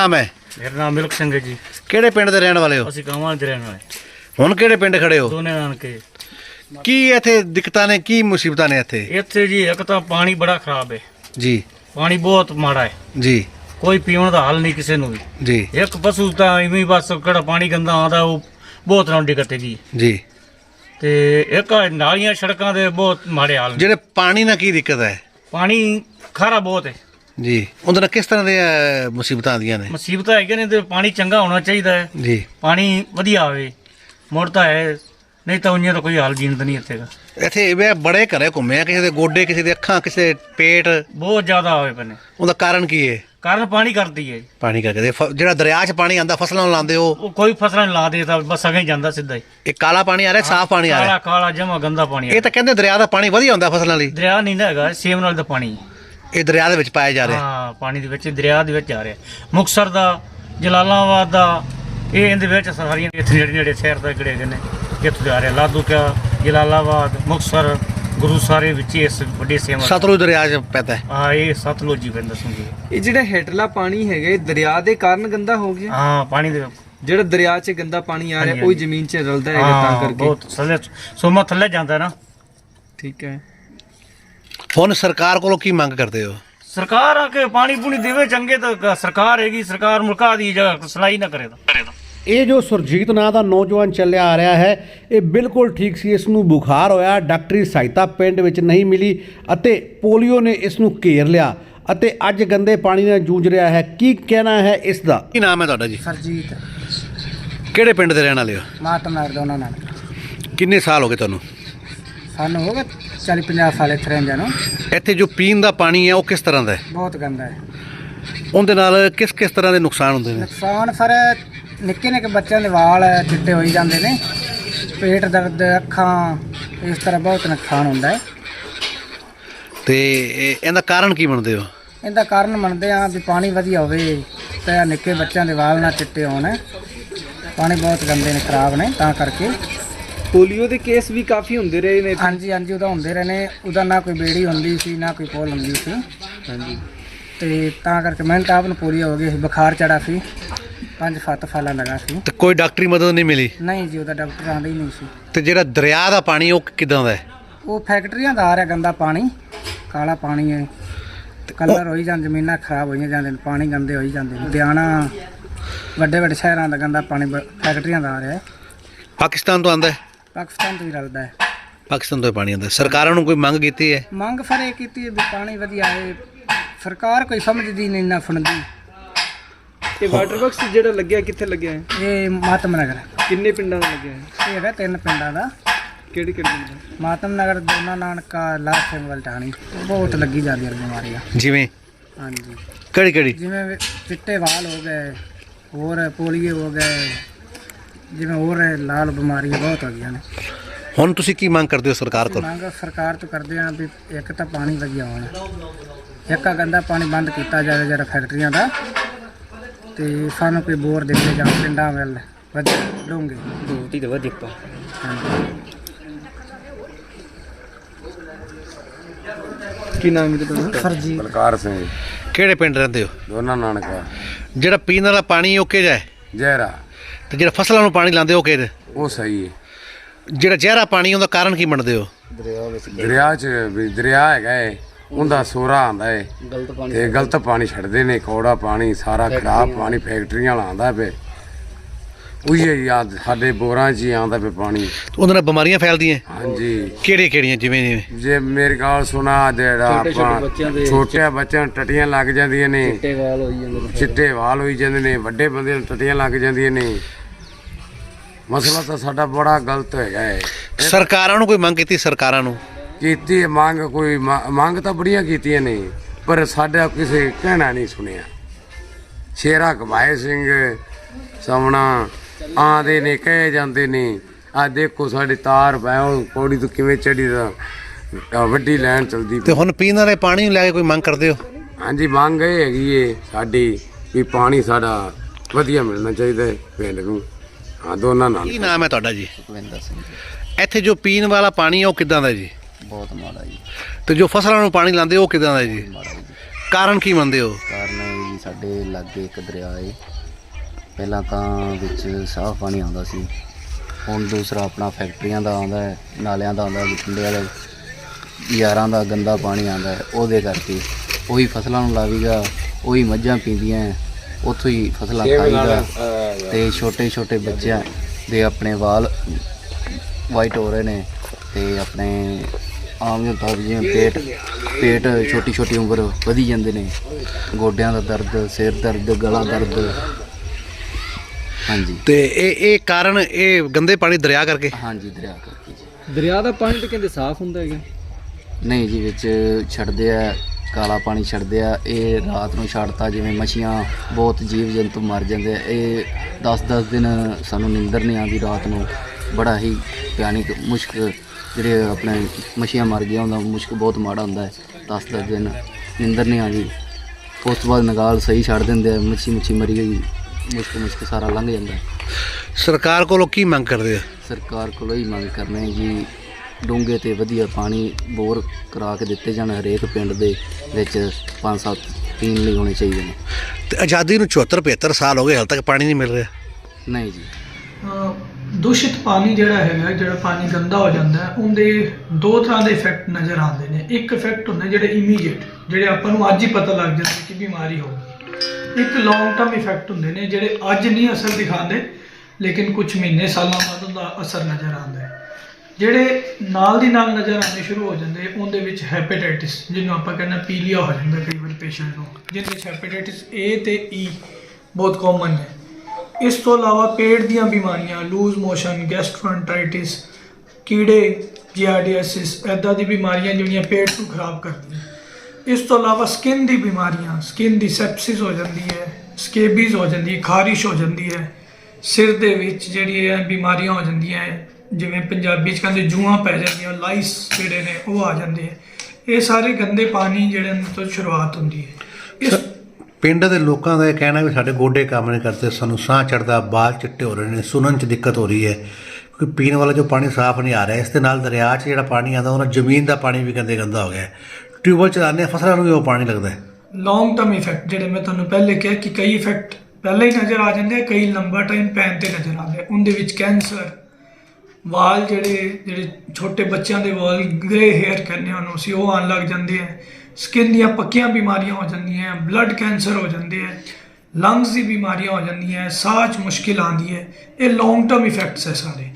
Speaker 8: ਮੇਰਾ ਨਾਮ ਮਿਲਕ ਸਿੰਘ ਹੈ ਜੀ।
Speaker 1: ਕਿਹੜੇ ਪਿੰਡ ਦੇ ਰਹਿਣ ਵਾਲੇ ਹੋ?
Speaker 8: ਅਸੀਂ ਕਾਵਾਂ ਦੇ ਰਹਿਣ ਵਾਲੇ,
Speaker 1: ਹੁਣ ਕਿਹੜੇ ਪਿੰਡ ਖੜੇ ਹੋ?
Speaker 8: ਦੋਨੇ ਨਾਨਕੇ।
Speaker 1: ਕੀ ਇੱਥੇ ਦਿੱਕਤਾਂ ਨੇ, ਕੀ ਮੁਸੀਬਤਾਂ ਨੇ ਇੱਥੇ?
Speaker 8: ਇੱਥੇ ਜੀ ਇੱਕ ਤਾਂ ਪਾਣੀ ਬੜਾ ਖਰਾਬ ਹੈ
Speaker 1: ਜੀ
Speaker 8: ਪਾਣੀ ਬਹੁਤ ਮਾੜਾ ਹੈ
Speaker 1: ਜੀ
Speaker 8: ਕੋਈ ਪੀਣ ਦਾ ਹੱਲ ਨਹੀਂ ਕਿਸੇ ਨੂੰ ਵੀ
Speaker 1: ਜੀ
Speaker 8: ਇੱਕ ਪਸ਼ੂ ਤਾਂ ਇਵੇਂ ਹੀ ਬਸ ਕਿਹੜਾ ਪਾਣੀ ਗੰਦਾ ਆਉਂਦਾ ਉਹ ਬਹੁਤ ਰੌਂਡੀ ਕੱਟੇਗੀ
Speaker 1: ਜੀ
Speaker 8: ਤੇ ਇੱਕ ਨਾਲੀਆਂ ਸੜਕਾਂ ਦੇ ਬਹੁਤ ਮਾੜੇ ਹਾਲ ਨੇ
Speaker 1: ਜਿਹੜੇ ਪਾਣੀ ਨਾਲ ਕੀ ਦਿੱਕਤ ਹੈ?
Speaker 8: ਪਾਣੀ ਖਾਰਾ ਬਹੁਤ ਹੈ
Speaker 1: ਜੀ ਉਹਦੇ ਨਾਲ ਕਿਸ ਤਰ੍ਹਾਂ ਦੇ ਅਹ, ਮੁਸੀਬਤਾਂ ਆਉਂਦੀਆਂ ਨੇ?
Speaker 8: ਮੁਸੀਬਤਾਂ ਹੈਗੀਆਂ ਨੇ ਤੇ ਪਾਣੀ ਚੰਗਾ ਹੋਣਾ ਚਾਹੀਦਾ ਹੈ
Speaker 1: ਜੀ
Speaker 8: ਪਾਣੀ ਵਧੀਆ ਆਵੇ ਮੁੜਦਾ ਹੈ ਨਹੀਂ ਤਾਂ ਉਹਨਾਂ ਦਾ ਕੋਈ ਹਾਲ ਜੀਣਤ ਨਹੀਂ ਇੱਥੇ ਦਾ
Speaker 1: ਇੱਥੇ ਮੈਂ ਬੜੇ ਘਰੇ ਘੁੰਮਿਆ, ਕਿਸੇ ਦੇ ਗੋਡੇ, ਕਿਸੇ ਦੇ ਅੱਖਾਂ, ਕਿਸੇ ਦੇ ਪੇਟ।
Speaker 8: ਬਹੁਤ ਜ਼ਿਆਦਾ ਹੋਏ ਪਏ ਨੇ
Speaker 1: ਉਹਦਾ ਕਾਰਨ ਕੀ ਹੈ?
Speaker 8: ਕਾਰਨ ਪਾਣੀ ਕਰਦੀ ਹੈ
Speaker 1: ਪਾਣੀ ਕਰਕੇ ਤੇ ਫ- ਜਿਹੜਾ ਦਰਿਆ 'ਚ ਪਾਣੀ ਆਂਦਾ ਫਸਲਾਂ ਨੂੰ ਲਾਉਂਦੇ ਹੋ,
Speaker 8: ਉਹ ਕੋਈ ਫਸਲਾਂ ਨਹੀਂ ਲਾ ਦੇ ਤਾਂ ਬਸ ਅਗੇ ਜਾਂਦਾ ਸਿੱਧਾ ਹੀ
Speaker 1: ਇਹ ਕਾਲਾ ਪਾਣੀ ਆ ਰਿਹਾ, ਸਾਫ਼ ਪਾਣੀ ਆ
Speaker 8: ਕਾਲਾ
Speaker 1: ਰਿਹਾ?
Speaker 8: ਕਾਲਾ ਜਮਾ ਗੰਦਾ ਪਾਣੀ ਆ
Speaker 1: ਇਹ ਤਾਂ ਕਹਿੰਦੇ ਦਰਿਆ ਦਾ ਪਾਣੀ ਵਧੀਆ ਹੁੰਦਾ ਫਸਲਾਂ ਲਈ,
Speaker 8: ਦਰਿਆ ਨਹੀਂ ਨਾ ਹੈਗਾ ਸੇਮ ਨਾਲ ਦਾ ਪਾਣੀ
Speaker 1: ਇਹ ਦਰਿਆ ਦੇ ਵਿੱਚ ਪਾਇਆ ਜਾ ਰਿਹਾ।
Speaker 8: ਹਾਂ ਪਾਣੀ ਦੇ ਵਿੱਚ ਦਰਿਆ ਦੇ ਵਿੱਚ ਜਾ ਰਿਹਾ ਮੁਕਤਸਰ ਦਾ ਜਲਾਲਾਬਾਦ ਦਾ ਇਹ ਇਹਦੇ ਵਿੱਚ ਸਾਰੀਆਂ ਇੱਥੇ ਨੇੜੇ ਨੇੜੇ ਸ਼ਹਿਰ ਦਾ ਕਿਹੜੇ ਹੈਗੇ ਨੇ ਇੱਥੋਂ ਜਾ ਰਿਹਾ ਲਾਦੂ ਕਿਆ ਜਲਾਲਾਬਾਦ ਮੁਕਤਸਰ ਗੁਰੂ ਸਾਰੇ ਵਿੱਚ ਇਸ ਵੱਡੇ ਸੇਮ
Speaker 1: ਸਤਲੁਜ ਦਰਿਆ 'ਚ ਪੈਂਦਾ ਹੈ।
Speaker 8: ਹਾਂ ਇਹ ਸਤਲੁਜ ਜੀ ਪੈਂਦਾ ਸੁਣਦੀ
Speaker 4: ਇਹ ਜਿਹੜਾ ਹੇਠਲਾ ਪਾਣੀ ਹੈਗਾ ਇਹ ਦਰਿਆ ਦੇ ਕਾਰਨ ਗੰਦਾ ਹੋ ਗਿਆ?
Speaker 8: ਹਾਂ ਪਾਣੀ ਦੇ
Speaker 4: ਜਿਹੜਾ ਦਰਿਆ 'ਚ ਗੰਦਾ ਪਾਣੀ ਆ ਰਿਹਾ
Speaker 8: ਹਾਂਜੀ,
Speaker 4: ਉਹ ਜ਼ਮੀਨ 'ਚ ਰਲਦਾ ਹੈਗਾ ਤਾਂ
Speaker 8: ਹਾਂ
Speaker 4: ਕਰਕੇ।
Speaker 8: ਬਹੁਤ ਥੱਲੇ ਸੋਮਾ ਥੱਲੇ ਜਾਂਦਾ ਨਾ।
Speaker 4: ਠੀਕ ਹੈ।
Speaker 1: ਹੁਣ ਸਰਕਾਰ ਕੋਲੋਂ ਕੀ ਮੰਗ ਕਰਦੇ ਹੋ?
Speaker 8: ਸਰਕਾਰ ਆ ਕੇ ਪਾਣੀ ਪੂਣੀ ਦੇਵੇ ਚੰਗੇ ਤਾਂ ਸਰਕਾਰ ਹੈਗੀ ਸਰਕਾਰ ਮੁਲਕਾ ਦੀ ਜਗ੍ਹਾ ਸਲਾਈ ਨਾ ਕਰੇ ਤਾਂ
Speaker 1: ਇਹ ਜੋ ਸੁਰਜੀਤ ਨਾਂ ਦਾ ਨੌਜਵਾਨ ਚੱਲਿਆ ਆ ਰਿਹਾ ਹੈ ਇਹ ਬਿਲਕੁਲ ਠੀਕ ਸੀ। ਇਸ ਨੂੰ ਬੁਖਾਰ ਹੋਇਆ, ਡਾਕਟਰੀ ਸਹਾਇਤਾ ਪਿੰਡ ਵਿੱਚ ਨਹੀਂ ਮਿਲੀ ਅਤੇ ਪੋਲੀਓ ਨੇ ਇਸ ਨੂੰ ਘੇਰ ਲਿਆ ਅਤੇ ਅੱਜ ਗੰਦੇ ਪਾਣੀ ਨਾਲ ਜੂਝ ਰਿਹਾ ਹੈ। ਕੀ ਕਹਿਣਾ ਹੈ ਇਸ ਦਾ? ਕੀ ਨਾਮ ਹੈ ਤੁਹਾਡਾ ਜੀ?
Speaker 5: ਸਰਜੀਤ
Speaker 1: ਕਿਹੜੇ ਪਿੰਡ ਦੇ ਰਹਿਣ ਵਾਲੇ ਹੋ?
Speaker 5: ਮਾਤਮ ਨਗਰ ਦੋਨਾਂ ਨਾਲ
Speaker 1: ਕਿੰਨੇ ਸਾਲ ਹੋ ਗਏ ਤੁਹਾਨੂੰ
Speaker 5: ਸਾਨੂੰ ਹੋ ਗਏ ਚਾਲੀ ਪੰਜਾਹ ਸਾਲ ਇੱਥੇ ਰਹਿੰਦੇ ਨੂੰ।
Speaker 1: ਇੱਥੇ ਜੋ ਪੀਣ ਦਾ ਪਾਣੀ ਹੈ ਉਹ ਕਿਸ ਤਰ੍ਹਾਂ ਦਾ ਹੈ?
Speaker 5: ਬਹੁਤ ਗੰਦਾ ਹੈ।
Speaker 1: ਉਹਦੇ ਨਾਲ ਕਿਸ ਕਿਸ ਤਰ੍ਹਾਂ ਦੇ ਨੁਕਸਾਨ ਹੁੰਦੇ ਨੇ?
Speaker 5: ਨੁਕਸਾਨ ਸਰ ਨਿੱਕੇ ਨਿੱਕੇ ਬੱਚਿਆਂ ਦੇ ਵਾਲ ਚਿੱਟੇ ਹੋਈ ਜਾਂਦੇ ਨੇ, ਪੇਟ ਦਰਦ, ਅੱਖਾਂ, ਇਸ ਤਰ੍ਹਾਂ ਬਹੁਤ ਨੁਕਸਾਨ ਹੁੰਦਾ ਹੈ।
Speaker 1: ਤੇ ਇਹ- ਇਹਦਾ ਕਾਰਨ ਕੀ ਮੰਨਦੇ ਹੋ?
Speaker 5: ਇਹਦਾ ਕਾਰਨ ਮੰਨਦੇ ਆ ਵੀ ਪਾਣੀ ਵਧੀਆ ਹੋਵੇ ਤੇ ਨਿੱਕੇ ਬੱਚਿਆਂ ਦੇ ਵਾਲ ਨਾ ਚਿੱਟੇ ਹੋਣ। ਪਾਣੀ ਬਹੁਤ ਗੰਦੇ ਨੇ, ਖਰਾਬ ਨੇ, ਤਾਂ ਕਰਕੇ।
Speaker 4: ਪੋਲੀਓ ਦੇ ਕੇਸ ਵੀ ਕਾਫੀ ਹੁੰਦੇ ਰਹੇ ਨੇ।
Speaker 5: ਹਾਂਜੀ ਹਾਂਜੀ ਉਹਦਾ ਹੁੰਦੇ ਰਹੇ ਨੇ। ਉਹਦਾ ਨਾ ਕੋਈ ਬੇੜੀ ਹੁੰਦੀ ਸੀ ਨਾ ਕੋਈ ਪੋਲ ਹੁੰਦੀ ਸੀ।
Speaker 4: ਹਾਂਜੀ।
Speaker 5: ਤੇ ਤਾਂ ਕਰਕੇ ਮੈਨੂੰ ਤਾਂ ਆਪ ਨੂੰ ਪੋਲੀਓ ਹੋ ਗਈ ਸੀ, ਬੁਖਾਰ ਚੜਾ ਸੀ, ਪੰਜ ਸੱਤ ਫਾਲਾ ਲਗਾ ਸੀ।
Speaker 1: ਤੇ ਕੋਈ ਡਾਕਟਰੀ ਮਦਦ ਨਹੀਂ ਮਿਲੀ?
Speaker 5: ਨਹੀਂ ਜੀ ਉਹਦਾ ਡਾਕਟਰ ਆਉਂਦਾ ਹੀ ਨਹੀਂ ਸੀ।
Speaker 1: ਤੇ ਜਿਹੜਾ ਦਰਿਆ ਦਾ ਪਾਣੀ ਉਹ ਕਿਦਾਂ ਦਾ ਹੈ?
Speaker 5: ਉਹ ਫੈਕਟਰੀਆਂ ਦਾ ਆ ਰਿਹਾ ਗੰਦਾ ਪਾਣੀ, ਕਾਲਾ ਪਾਣੀ ਹੈ, ਕਲਰ ਹੋਈ ਜਾਂ ਜ਼ਮੀਨਾਂ ਖਰਾਬ ਹੋਈਆਂ ਜਾਂਦੇ ਨੇ, ਪਾਣੀ ਗੰਦੇ ਹੋਈ ਜਾਂਦੇ ਨੇ। ਲੁਧਿਆਣਾ ਵੱਡੇ ਵੱਡੇ ਸ਼ਹਿਰਾਂ ਦਾ ਗੰਦਾ ਪਾਣੀ ਬ- ਫੈਕਟਰੀਆਂ ਦਾ ਆ ਰਿਹਾ ਹੈ।
Speaker 1: ਪਾਕਿਸਤਾਨ ਤੋਂ ਆਉਂਦਾ ਹੈ?
Speaker 5: ਪਾਕਿਸਤਾਨ ਤੋਂ ਹੀ ਰਲਦਾ ਹੈ।
Speaker 1: ਪਾਕਿਸਤਾਨ ਤੋਂ ਹੀ ਪਾਣੀ ਆਉਂਦਾ। ਸਰਕਾਰਾਂ ਨੂੰ ਕੋਈ ਮੰਗ ਕੀਤੀ ਹੈ?
Speaker 5: ਮੰਗ ਫਿਰ ਇਹ ਕੀਤੀ ਹੈ ਵੀ ਪਾਣੀ ਵਧੀਆ ਹੈ, ਸਰਕਾਰ ਕੋਈ ਸਮਝਦੀ ਨਹੀਂ ਨਾ ਸੁਣਦੀ।
Speaker 4: ਇਹ ਵਾਟਰ ਬਾਕਸ ਜਿਹੜਾ ਲੱਗਿਆ ਕਿੱਥੇ ਲੱਗਿਆ ਹੈ?
Speaker 5: ਇਹ ਮਾਤਮ ਨਗਰ
Speaker 4: ਕਿੰਨੇ ਪਿੰਡਾਂ ਦਾ ਲੱਗਿਆ ਹੈ?
Speaker 5: ਇਹ ਹੈਗਾ ਤਿੰਨ ਪਿੰਡਾਂ ਦਾ।
Speaker 4: ਕਿਹੜੇ ਕਿਹੜੇ ਪਿੰਡ ਦਾ?
Speaker 5: ਮਾਤਮ ਨਗਰ, ਦੋਨਾ ਨਾਨਕਾ, ਲਾਲ ਸਿੰਘ ਵਾਲ ਟਾਣੀ। ਬਹੁਤ ਲੱਗੀ ਜਾਂਦੀਆਂ ਬਿਮਾਰੀਆਂ।
Speaker 1: ਜਿਵੇਂ
Speaker 5: ਹਾਂਜੀ
Speaker 1: ਕਿਹੜੀ ਕਿਹੜੀ?
Speaker 5: ਜਿਵੇਂ ਵੀ ਚਿੱਟੇ ਵਾਲ ਹੋ ਗਏ, ਹੋਰ ਪੋਲੀਓ ਹੋ ਗਏ, ਜਿਵੇਂ ਹੋਰ ਲਾਲ ਬਿਮਾਰੀਆਂ ਬਹੁਤ ਹੋ ਗਈਆਂ ਨੇ।
Speaker 1: ਹੁਣ ਤੁਸੀਂ ਕੀ ਮੰਗ ਕਰਦੇ ਹੋ ਸਰਕਾਰ ਕੋਲ?
Speaker 5: ਮੰਗ ਸਰਕਾਰ ਤੋਂ ਕਰਦੇ ਆ ਵੀ ਇੱਕ ਤਾਂ ਪਾਣੀ ਵਧੀਆ ਹੋਣਾ, ਇੱਕ ਆ ਗੰਦਾ ਪਾਣੀ ਬੰਦ ਕੀਤਾ ਜਾਵੇ ਜਿਹੜਾ ਫੈਕਟਰੀਆਂ ਦਾ, ਤੇ ਸਾਨੂੰ ਕੋਈ ਬੋਰ ਦਿੱਤੇ ਜਾਣ ਪਿੰਡਾਂ ਵੱਲ ਵਧੀਆ ਡੂੰਘੇ।
Speaker 4: ਬਹੁਤ ਹੀ ਵਧੀਆ ਪਾ। ਕੀ ਨਾਮ ਹੈ ਤੁਹਾਡਾ?
Speaker 5: ਸਰਜੀ
Speaker 9: ਬਲਕਾਰ ਸਿੰਘ
Speaker 1: ਕਿਹੜੇ ਪਿੰਡ ਰਹਿੰਦੇ ਹੋ?
Speaker 9: ਦੋਨਾਂ ਨਾਨਕਾ
Speaker 1: ਜਿਹੜਾ ਪੀਣ ਵਾਲਾ ਪਾਣੀ ਉਹ ਕਿਹੜਾ ਹੈ?
Speaker 9: ਜ਼ਹਿਰਾ
Speaker 1: ਤੇ ਜਿਹੜਾ ਫਸਲਾਂ ਨੂੰ ਪਾਣੀ ਲਾਉਂਦੇ ਉਹ ਕਿਹੜਾ?
Speaker 9: ਉਹ ਸਹੀ ਹੈ।
Speaker 1: ਜਿਹੜਾ ਜ਼ਹਿਰਾ ਪਾਣੀ ਉਹਦਾ ਕਾਰਨ ਕੀ ਮੰਨਦੇ ਹੋ?
Speaker 9: ਦਰਿਆ 'ਚ ਵੀ ਦਰਿਆ ਹੈਗਾ ਏ, ਉਹਦਾ ਸੋਰਾ ਆਂਦਾ ਏ ਤੇ ਗਲਤ ਪਾਣੀ ਛੱਡਦੇ ਨੇ, ਕੌੜਾ ਪਾਣੀ, ਸਾਰਾ ਖਰਾਬ ਪਾਣੀ ਫੈਕਟਰੀਆਂ ਵਾਲਾ ਆਂਦਾ ਪਏ। ਉਹੀ ਹੈ ਯਾਦ ਸਾਡੇ ਬੋਰਾਂ 'ਚ ਹੀ ਆਂਦਾ ਪਿਆ ਪਾਣੀ।
Speaker 1: ਉਹਦੇ ਨਾਲ ਬਿਮਾਰੀਆਂ ਫੈਲਦੀਆਂ?
Speaker 9: ਹਾਂਜੀ।
Speaker 1: ਕਿਹੜੀਆਂ ਕਿਹੜੀਆਂ? ਜਿਵੇਂ ਜਿਵੇਂ
Speaker 9: ਜੇ ਮੇਰੀ ਗੱਲ ਸੁਣਾ, ਜਿਹੜਾ ਆਪਾਂ ਛੋਟੇ ਬੱਚਿਆਂ ਨੂੰ ਟੱਟੀਆਂ ਲੱਗ ਜਾਂਦੀਆਂ ਨੇ, ਚਿੱਟੇ ਵਾਲ ਹੋਈ ਜਾਂਦੇ ਨੇ, ਚਿੱਟੇ ਵਾਲ ਹੋਈ ਜਾਂਦੇ ਨੇ, ਵੱਡੇ ਬੰਦਿਆਂ ਨੂੰ ਟੱਟੀਆਂ ਲੱਗ ਜਾਂਦੀਆਂ ਨੇ। ਮਸਲਾ ਤਾਂ ਸਾਡਾ ਬੜਾ ਗਲਤ ਹੈਗਾ ਹੈ।
Speaker 1: ਸਰਕਾਰਾਂ ਨੂੰ ਕੋਈ ਮੰਗ ਕੀਤੀ? ਸਰਕਾਰਾਂ ਨੂੰ
Speaker 9: ਕੀਤੀ ਮੰਗ, ਕੋਈ ਮ- ਮੰਗ ਤਾਂ ਬੜੀਆਂ ਕੀਤੀਆਂ ਨੇ ਪਰ ਸਾਡਾ ਕਿਸੇ ਕਹਿਣਾ ਨਹੀਂ ਸੁਣਿਆ। ਸ਼ੇਰਾ ਕਮਾਏ ਸਿੰਘ ਸਾਹਮਣਾ ਆਂਦੇ ਨੇ, ਕਹੇ ਜਾਂਦੇ ਨੇ, ਆ ਦੇਖੋ ਸਾਡੀ ਤਾਰ ਪੈ ਉਹ ਪੌੜੀ ਤੋਂ ਕਿਵੇਂ ਚੜੀ ਦਾ ਆਹ ਵੱਡੀ ਲਾਈਨ ਚਲਦੀ
Speaker 1: ਤੇ ਹੁਣ ਪੀਣ ਵਾਲੇ ਪਾਣੀ ਨੂੰ ਲੈ ਕੇ ਕੋਈ ਮੰਗ ਕਰਦੇ ਹੋ?
Speaker 9: ਹਾਂਜੀ ਮੰਗ ਇਹ ਹੈਗੀ ਏ ਸਾਡੀ ਵੀ ਪਾਣੀ ਸਾਡਾ ਵਧੀਆ ਮਿਲਣਾ ਚਾਹੀਦਾ ਹੈ ਪਿੰਡ ਨੂੰ। ਹਾਂ ਦੋਨਾਂ ਨਾਲ।
Speaker 1: ਕੀ ਨਾਮ ਹੈ ਤੁਹਾਡਾ ਜੀ?
Speaker 10: ਸੁਖਵਿੰਦਰ ਸਿੰਘ
Speaker 1: ਇੱਥੇ ਜੋ ਪੀਣ ਵਾਲਾ ਪਾਣੀ ਹੈ ਉਹ ਕਿਦਾਂ ਦਾ ਜੀ?
Speaker 10: ਬਹੁਤ ਮਾੜਾ ਜੀ।
Speaker 1: ਤੇ ਜੋ ਫਸਲਾਂ ਨੂੰ ਪਾਣੀ ਲਾਉਂਦੇ ਉਹ ਕਿਦਾਂ ਦਾ ਜੀ?
Speaker 10: ਮਾੜਾ ਜੀ।
Speaker 1: ਕਾਰਨ ਕੀ ਮੰਨਦੇ ਹੋ?
Speaker 10: ਕਾਰਨ ਇਹ ਜੀ ਸਾਡੇ ਲਾਗੇ ਇੱਕ ਦਰਿਆ ਏ ਪਹਿਲਾਂ ਤਾਂ ਵਿੱਚ ਸਾਫ਼ ਪਾਣੀ ਆਉਂਦਾ ਸੀ, ਹੁਣ ਦੂਸਰਾ ਆਪਣਾ ਫੈਕਟਰੀਆਂ ਦਾ ਆਉਂਦਾ ਹੈ, ਨਾਲਿਆਂ ਦਾ ਆਉਂਦਾ, ਪਿੰਡੇ ਵਾਲੇ ਯਾਰਾਂ ਦਾ ਗੰਦਾ ਪਾਣੀ ਆਉਂਦਾ ਹੈ। ਉਹਦੇ ਕਰਕੇ ਉਹੀ ਫਸਲਾਂ ਨੂੰ ਲਾਵੀਗਾ, ਉਹੀ ਮੱਝਾਂ ਪੀਂਦੀਆਂ, ਉੱਥੋਂ ਹੀ ਫਸਲਾਂ ਖਾਈਦਾ, ਅਤੇ ਛੋਟੇ ਛੋਟੇ ਬੱਚਿਆਂ ਦੇ ਆਪਣੇ ਵਾਲ ਵਾਈਟ ਹੋ ਰਹੇ ਨੇ, ਅਤੇ ਆਪਣੇ ਆਮ ਜਨਤਾ ਦੇ ਜਿਵੇਂ ਪੇਟ ਪੇਟ ਛੋਟੀ ਛੋਟੀ ਉਮਰ ਵਧੀ ਜਾਂਦੇ ਨੇ, ਗੋਡਿਆਂ ਦਾ ਦਰਦ, ਸਿਰ ਦਰਦ, ਗਲਾ ਦਰਦ। ਹਾਂਜੀ।
Speaker 1: ਤੇ ਇਹ ਇਹ ਕਾਰਨ ਇਹ ਗੰਦੇ ਪਾਣੀ ਦਰਿਆ ਕਰਕੇ?
Speaker 10: ਹਾਂਜੀ, ਦਰਿਆ ਕਰਕੇ ਜੀ।
Speaker 4: ਦਰਿਆ ਦਾ ਪਾਣੀ ਤਾਂ ਕਹਿੰਦੇ ਸਾਫ਼ ਹੁੰਦਾ ਹੈਗਾ?
Speaker 10: ਨਹੀਂ ਜੀ, ਵਿੱਚ ਛੱਡਦੇ ਆ ਕਾਲਾ ਪਾਣੀ ਛੱਡਦੇ ਆ। ਇਹ ਰਾਤ ਨੂੰ ਛੱਡਤਾ, ਜਿਵੇਂ ਮੱਛੀਆਂ ਬਹੁਤ ਜੀਵ ਜੰਤੂ ਮਰ ਜਾਂਦੇ ਆ। ਇਹ ਦਸ ਦਸ ਦਿਨ ਸਾਨੂੰ ਨੀਂਦਰ ਨਹੀਂ ਆਉਂਦੀ ਰਾਤ ਨੂੰ, ਬੜਾ ਹੀ ਭਿਆਨਕ ਮੁਸ਼ਕ, ਜਿਹੜੇ ਆਪਣੇ ਮੱਛੀਆਂ ਮਰ ਗਿਆ ਹੁੰਦਾ ਮੁਸ਼ਕ ਬਹੁਤ ਮਾੜਾ ਹੁੰਦਾ ਹੈ। ਦਸ ਦਸ ਦਿਨ ਨੀਂਦਰ ਨਹੀਂ ਆਉਂਦੀ, ਉਸ ਤੋਂ ਬਾਅਦ ਨਗਾਲ ਸਹੀ ਛੱਡ ਦਿੰਦੇ ਆ, ਮੱਛੀ ਮੁੱਛੀ ਮਰੀ ਗਈ, ਮੁਸ਼ਕ ਮੁਸ਼ਕ ਸਾਰਾ ਲੰਘ ਜਾਂਦਾ।
Speaker 1: ਸਰਕਾਰ ਕੋਲੋਂ ਕੀ ਮੰਗ ਕਰਦੇ ਆ?
Speaker 10: ਸਰਕਾਰ ਕੋਲੋਂ ਹੀ ਮੰਗ ਕਰਨੇ ਜੀ, ਡੂੰਘੇ ਅਤੇ ਵਧੀਆ ਪਾਣੀ ਬੋਰ ਕਰਾ ਕੇ ਦਿੱਤੇ ਜਾਣ ਹਰੇਕ ਪਿੰਡ ਦੇ ਵਿੱਚ, ਪੰਜ ਸੱਤ ਪੀਣ ਲਈ ਹੋਣੇ ਚਾਹੀਦੇ ਨੇ।
Speaker 1: ਤੇ ਆਜ਼ਾਦੀ ਨੂੰ ਚੁਹੱਤਰ ਪਝੱਤਰ ਸਾਲ ਹੋ ਗਏ, ਹਾਲੇ ਤੱਕ ਪਾਣੀ ਨਹੀਂ ਮਿਲ ਰਿਹਾ?
Speaker 10: ਨਹੀਂ ਜੀ।
Speaker 2: ਦੂਸ਼ਿਤ ਪਾਣੀ ਜਿਹੜਾ ਹੈਗਾ, ਜਿਹੜਾ ਪਾਣੀ ਗੰਦਾ ਹੋ ਜਾਂਦਾ ਹੈ, ਉਹਦੇ ਦੋ ਤਰ੍ਹਾਂ ਦੇ ਇਫੈਕਟ ਨਜ਼ਰ ਆਉਂਦੇ ਨੇ। ਇੱਕ ਇਫੈਕਟ ਹੁੰਦੇ ਜਿਹੜੇ ਇਮੀਡੀਏਟ, ਜਿਹੜੇ ਆਪਾਂ ਨੂੰ ਅੱਜ ਹੀ ਪਤਾ ਲੱਗ ਜਾਂਦਾ ਕਿ ਬਿਮਾਰੀ ਹੋ ਗਈ। ਇੱਕ ਲੌਂਗ ਟਰਮ ਇਫੈਕਟ ਹੁੰਦੇ ਨੇ, ਜਿਹੜੇ ਅੱਜ ਨਹੀਂ ਅਸਰ ਦਿਖਾਉਂਦੇ, ਲੇਕਿਨ ਕੁਝ ਮਹੀਨੇ ਸਾਲਾਂ ਬਾਅਦ ਉਹਦਾ ਅਸਰ ਨਜ਼ਰ ਆਉਂਦਾ ਹੈ। ਜਿਹੜੇ ਨਾਲ ਦੀ ਨਾਲ ਨਜ਼ਰ ਆਉਣੇ ਸ਼ੁਰੂ ਹੋ ਜਾਂਦੇ, ਉਹਦੇ ਵਿੱਚ ਹੈਪੇਟਾਈਟਿਸ, ਜਿਹਨੂੰ ਆਪਾਂ ਕਹਿੰਦੇ ਪੀਲੀਆ ਹੋ ਜਾਂਦਾ ਕਈ ਵਾਰ ਪੇਸ਼ੈਂਟ ਨੂੰ, ਜਿਹਦੇ ਵਿੱਚ ਹੈਪੇਟਾਈਟਿਸ ਏ ਤੇ ਈ ਬਹੁਤ ਕਾਮਨ ਹੈ। ਇਸ ਤੋਂ ਇਲਾਵਾ ਪੇਟ ਦੀਆਂ ਬਿਮਾਰੀਆਂ, ਲੂਜ਼ ਮੋਸ਼ਨ, ਗੈਸਟ੍ਰੋਐਂਟਰਾਈਟਿਸ, ਕੀੜੇ, ਜਿਆਰਡੀਆਸਿਸ, ਇੱਦਾਂ ਦੀ ਬਿਮਾਰੀਆਂ ਜਿਹੜੀਆਂ ਪੇਟ ਨੂੰ ਖਰਾਬ ਕਰਦੀਆਂ। ਇਸ ਤੋਂ ਇਲਾਵਾ ਸਕਿਨ ਦੀ ਬਿਮਾਰੀਆਂ, ਸਕਿਨ ਦੀ ਸੈਪਸਿਸ ਹੋ ਜਾਂਦੀ ਹੈ, ਸਕੇਬੀਜ਼ ਹੋ ਜਾਂਦੀ ਹੈ, ਖਾਰਿਸ਼ ਹੋ ਜਾਂਦੀ ਹੈ। ਸਿਰ ਦੇ ਵਿੱਚ ਜਿਹੜੀਆਂ ਬਿਮਾਰੀਆਂ ਹੋ ਜਾਂਦੀਆਂ ਹੈ, ਜਿਵੇਂ ਪੰਜਾਬੀ 'ਚ ਕਹਿੰਦੇ ਜੂਆਂ ਪੈ ਜਾਂਦੀਆਂ, ਲਾਈਸ ਜਿਹੜੇ ਨੇ ਉਹ ਆ ਜਾਂਦੇ ਹੈ। ਇਹ ਸਾਰੇ ਗੰਦੇ ਪਾਣੀ ਜਿਹੜੇ ਤੋਂ ਸ਼ੁਰੂਆਤ ਹੁੰਦੀ ਹੈ। ਇਸ
Speaker 1: ਪਿੰਡ ਦੇ ਲੋਕਾਂ ਦਾ ਇਹ ਕਹਿਣਾ ਵੀ ਸਾਡੇ ਗੋਡੇ ਕੰਮ ਨਹੀਂ ਕਰਦੇ, ਸਾਨੂੰ ਸਾਹ ਚੜਦਾ, ਬਾਲ ਚਿੱਟੇ ਹੋ ਰਹੇ ਨੇ, ਸੁਣਨ 'ਚ ਦਿੱਕਤ ਹੋ ਰਹੀ ਹੈ, ਕਿਉਂਕਿ ਪੀਣ ਵਾਲਾ ਜੋ ਪਾਣੀ ਸਾਫ਼ ਨਹੀਂ ਆ ਰਿਹਾ। ਇਸ ਦੇ ਨਾਲ ਦਰਿਆ 'ਚ ਜਿਹੜਾ ਪਾਣੀ ਆਉਂਦਾ, ਉਹਨਾਂ ਜ਼ਮੀਨ ਦਾ ਪਾਣੀ ਵੀ ਕਹਿੰਦੇ ਗੰਦਾ ਹੋ ਗਿਆ। ਟਿਊਬਵੈੱਲ ਚਲਾਉਂਦੇ ਫਸਲਾਂ ਨੂੰ ਵੀ ਉਹ ਪਾਣੀ ਲੱਗਦਾ ਹੈ।
Speaker 2: ਲੌਂਗ ਟਰਮ ਇਫੈਕਟ, ਜਿਹੜੇ ਮੈਂ ਤੁਹਾਨੂੰ ਪਹਿਲੇ ਕਿਹਾ ਕਿ ਕਈ ਇਫੈਕਟ ਪਹਿਲਾਂ ਹੀ ਨਜ਼ਰ ਆ ਜਾਂਦੇ ਆ, ਕਈ ਲੰਬਾ ਟਾਈਮ ਪੈਣ 'ਤੇ ਨਜ਼ਰ ਆਉਂਦੇ। ਉਹਦੇ ਵਿੱਚ ਕੈਂਸਰ, ਵਾਲ ਜਿਹੜੇ ਜਿਹੜੇ ਛੋਟੇ ਬੱਚਿਆਂ ਦੇ ਵਾਲ ਗ੍ਰੇ ਹੇਅਰ ਕਹਿੰਦੇ ਉਹਨੂੰ ਅਸੀਂ, ਉਹ ਆਉਣ ਲੱਗ ਜਾਂਦੇ ਆ। ਸਕਿਨ ਦੀਆਂ ਪੱਕੀਆਂ ਬਿਮਾਰੀਆਂ ਹੋ ਜਾਂਦੀਆਂ, ਬਲੱਡ ਕੈਂਸਰ ਹੋ ਜਾਂਦੇ ਹੈ, ਲੰਗਸ ਦੀ ਬਿਮਾਰੀਆਂ ਹੋ ਜਾਂਦੀਆਂ, ਸਾਹ 'ਚ ਮੁਸ਼ਕਿਲ ਆਉਂਦੀ ਹੈ। ਇਹ ਲੌਂਗ ਟਰਮ ਇਫੈਕਟਸ ਹੈ ਸਾਰੇ।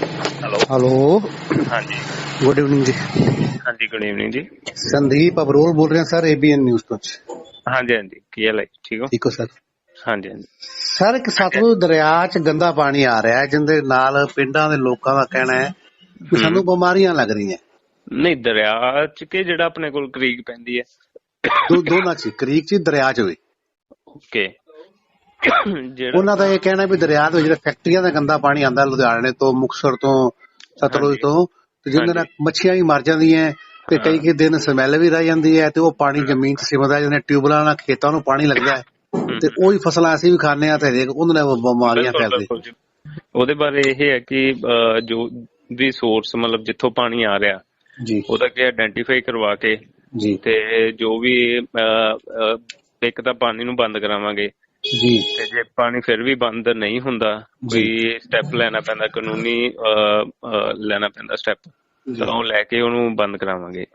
Speaker 1: ਹੈਲੋ,
Speaker 11: ਹਾਂਜੀ,
Speaker 1: ਗੁੱਡ ਇਵਨਿੰਗ ਜੀ।
Speaker 11: ਹਾਂਜੀ, ਗੁੱਡ ਈਵਨਿੰਗ ਜੀ।
Speaker 1: ਸੰਦੀਪ ਅਬਰੋਲ ਬੋਲ ਰਹੇ ਸਰ, ਏਬੀਐਨ ਨਿਊਜ਼ ਤੋਂ।
Speaker 11: ਹਾਂਜੀ ਹਾਂਜੀ, ਕੀ ਹਾਲ ਹੈ? ਠੀਕ ਹੋ?
Speaker 1: ਠੀਕ ਹੋ ਸਰ?
Speaker 11: ਹਾਂਜੀ ਹਾਂਜੀ
Speaker 1: ਸਰ, ਇੱਕ ਸਤਲੁਜ ਦਰਿਆ 'ਚ ਗੰਦਾ ਪਾਣੀ ਆ ਰਿਹਾ ਹੈ, ਜਿਹਦੇ ਨਾਲ ਪਿੰਡਾਂ ਦੇ ਲੋਕਾਂ ਦਾ ਕਹਿਣਾ ਹੈ ਕਿ ਸਾਨੂੰ ਬਿਮਾਰੀਆਂ ਲੱਗ ਰਹੀਆਂ।
Speaker 11: ਨਹੀਂ, ਦਰਿਆ 'ਚ ਕਿ ਜਿਹੜਾ ਆਪਣੇ ਕੋਲ ਕਰੀਕ ਪੈਂਦੀ ਹੈ?
Speaker 1: ਦੋ ਦੋਨਾਂ 'ਚ, ਕਰੀਕ 'ਚ, ਦਰਿਆ 'ਚ ਵੀ।
Speaker 11: ਓਕੇ। ਜਿਹੜਾ
Speaker 1: ਉਹਨਾਂ ਦਾ ਇਹ ਕਹਿਣਾ ਵੀ ਦਰਿਆ ਦੇ ਜਿਹੜੇ ਫੈਕਟਰੀਆਂ ਦਾ ਗੰਦਾ ਪਾਣੀ ਆਉਂਦਾ, ਲੁਧਿਆਣੇ ਤੋਂ, ਮੁਕਤਸਰ ਤੋਂ, ਸਤਲੁਜ ਤੋਂ, ਤੇ ਜਿਹਦੇ ਨਾਲ ਮੱਛੀਆਂ ਵੀ ਮਰ ਜਾਂਦੀਆਂ, ਤੇ ਕਈ ਕਈ ਦਿਨ ਸਮੈਲ ਵੀ ਰਹਿ ਜਾਂਦੀ ਹੈ, ਤੇ ਉਹ ਪਾਣੀ ਜ਼ਮੀਨ 'ਚ ਸਿਮਦਾ, ਜਿਹਦੇ ਟਿਊਬਲਾਂ ਨਾਲ ਖੇਤਾਂ ਨੂੰ ਪਾਣੀ ਲੱਗਦਾ ਹੈ, ਤੇ ਉਹੀ ਫਸਲਾਂ ਅਸੀਂ ਵੀ ਖਾਂਦੇ ਹਾਂ, ਤੇ ਹਰੇਕ ਉਹਦੇ ਨਾਲ ਬਿਮਾਰੀਆਂ ਫੈਲਦੀਆਂ।
Speaker 11: ਉਹਦੇ ਬਾਰੇ ਇਹ ਹੈ ਕਿ ਜੋ ਵੀ ਸੋਰਸ, ਮਤਲਬ ਜਿੱਥੋਂ ਪਾਣੀ ਆ ਰਿਹਾ
Speaker 1: ਜੀ, ਉਹਦਾ
Speaker 11: ਕਿ ਆਇਡੈਂਟੀਫਾਈ ਕਰਵਾ ਕੇ
Speaker 1: ਜੀ,
Speaker 11: ਤੇ ਜੋ ਵੀ ਇੱਕ ਤਾਂ ਪਾਣੀ ਨੂੰ ਬੰਦ ਕਰਾਵਾਂਗੇ
Speaker 1: ਜੀ, ਤੇ
Speaker 11: ਜੇ ਪਾਣੀ ਫਿਰ ਵੀ ਬੰਦ ਨਹੀਂ ਹੁੰਦਾ, ਕੋਈ ਸਟੈਪ ਲੈਣਾ ਪੈਂਦਾ, ਕਾਨੂੰਨੀ ਲੈਣਾ ਪੈਂਦਾ ਸਟੈਪ, ਤਾਂ ਉਹ ਲੈ ਕੇ ਉਹਨੂੰ ਬੰਦ ਕਰਾਵਾਂਗੇ।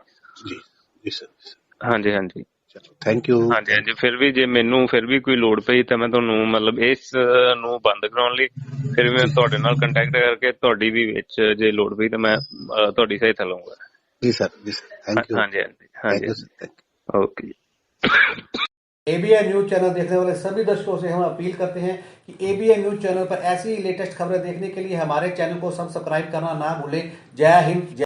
Speaker 11: ਹਾਂਜੀ ਹਾਂਜੀ,
Speaker 1: ਥੈਂਕ ਯੂ।
Speaker 11: ਹਾਂਜੀ ਹਾਂਜੀ, ਫਿਰ ਵੀ ਜੇ ਮੈਨੂੰ ਫਿਰ ਵੀ ਕੋਈ ਲੋੜ ਪਈ ਤਾਂ ਮੈਂ ਤੁਹਾਨੂੰ ਮਤਲਬ ਇਸ ਨੂੰ ਬੰਦ ਕਰਾਉਣ ਲਈ ਫਿਰ ਮੈਂ ਤੁਹਾਡੇ ਨਾਲ ਕੰਟੈਕਟ ਕਰਕੇ ਤੁਹਾਡੀ ਵੀ ਵਿੱਚ ਜੇ ਲੋੜ ਪਈ ਤਾਂ ਮੈਂ ਤੁਹਾਡੀ ਸਹਾਇਤਾ ਲਵਾਂਗਾ।
Speaker 1: ਜੀ ਸਰ, ਜੀ ਸਰ, थैंक यू।
Speaker 11: हाँ जी, हाँ जी, हाँ जी, ओके।
Speaker 1: एबीएन न्यूज चैनल देखने वाले सभी दर्शकों से हम अपील करते हैं कि एबीएन न्यूज चैनल पर ऐसी लेटेस्ट खबरें देखने के लिए हमारे चैनल को सब्सक्राइब करना ना भूलें। जय हिंद।